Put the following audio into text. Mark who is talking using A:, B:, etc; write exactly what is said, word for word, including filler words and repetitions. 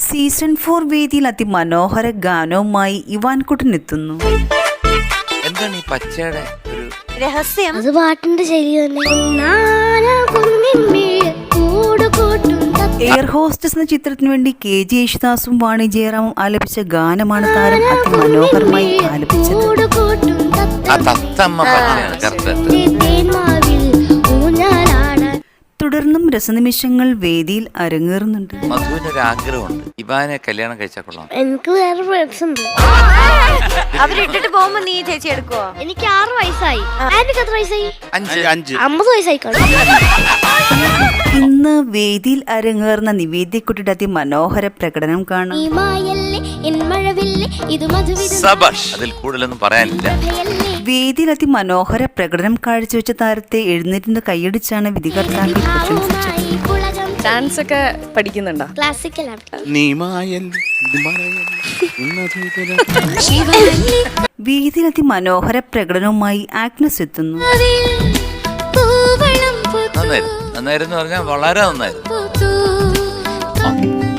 A: Season four വേദിയിൽ അതിമനോഹര ഗാനവുമായി ഇവാൻകുട്ടൻ എത്തുന്നു.
B: എന്താണ് ഈ പച്ചയുടെ ഒരു
C: രഹസ്യം?
D: അത് പാട്ടിന്റെ ശൈലി തന്നെ.
A: എയർ ഹോസ്റ്റസ് എന്ന ചിത്രത്തിന് വേണ്ടി കെ ജി യേശുദാസും വാണി ജയറാമും ആലപിച്ച ഗാനമാണ് താരം അതിമനോഹരമായി ആലപിച്ചത്.
B: ആ തത്തമ്മ പച്ചയാണ് കറക്റ്റ്.
A: തുടർന്നും രസനിമിഷങ്ങൾ വേദിയിൽ അരങ്ങേറുന്നുണ്ട്.
B: മധുവിനൊരു ആഗ്രഹമുണ്ട്, ഇവാനെ കല്യാണം കഴിച്ചാൽ കൊള്ളാം.
D: എനിക്ക് വേറെ ഫ്രണ്ട്സ് ഉണ്ട്.
C: അവരിട്ടിട്ട് പോകുമ്പോ നീ ചേച്ചി എടുക്കുവോ?
D: എനിക്ക് ആറ് വയസ്സായി. എനിക്ക് എത്ര വയസ്സായി?
B: അഞ്ച് അഞ്ച്
D: അമ്പത് വയസ്സായി.
A: ഇന്ന് വേദിയിൽ അരങ്ങേറുന്ന നിവേദ്യക്കുട്ടിയുടെ അതിമനോഹര പ്രകടനം കാണാം.
B: സബാഷ്, അതിൽ കൂടുതലൊന്നും പറയാനില്ല.
A: വേദിയിൽ അതിമനോഹര പ്രകടനം കാഴ്ചവെച്ച താരത്തെ എഴുന്നേറ്റിന്റെ കൈയടിച്ചാണ് വിധികർത്താക്കൾ പ്രശംസിച്ചത്.
E: ഡാൻസ് ഒക്കെ പഠിക്കുന്നുണ്ടോ?
D: ക്ലാസിക്കൽ
A: വേദിയിൽ അതിമനോഹര പ്രകടനവുമായി ആഗ്നസ് എത്തുന്നു.
B: നന്നായിരുന്നു നന്നായിരുന്നു പറഞ്ഞാൽ വളരെ നന്നായിരുന്നു.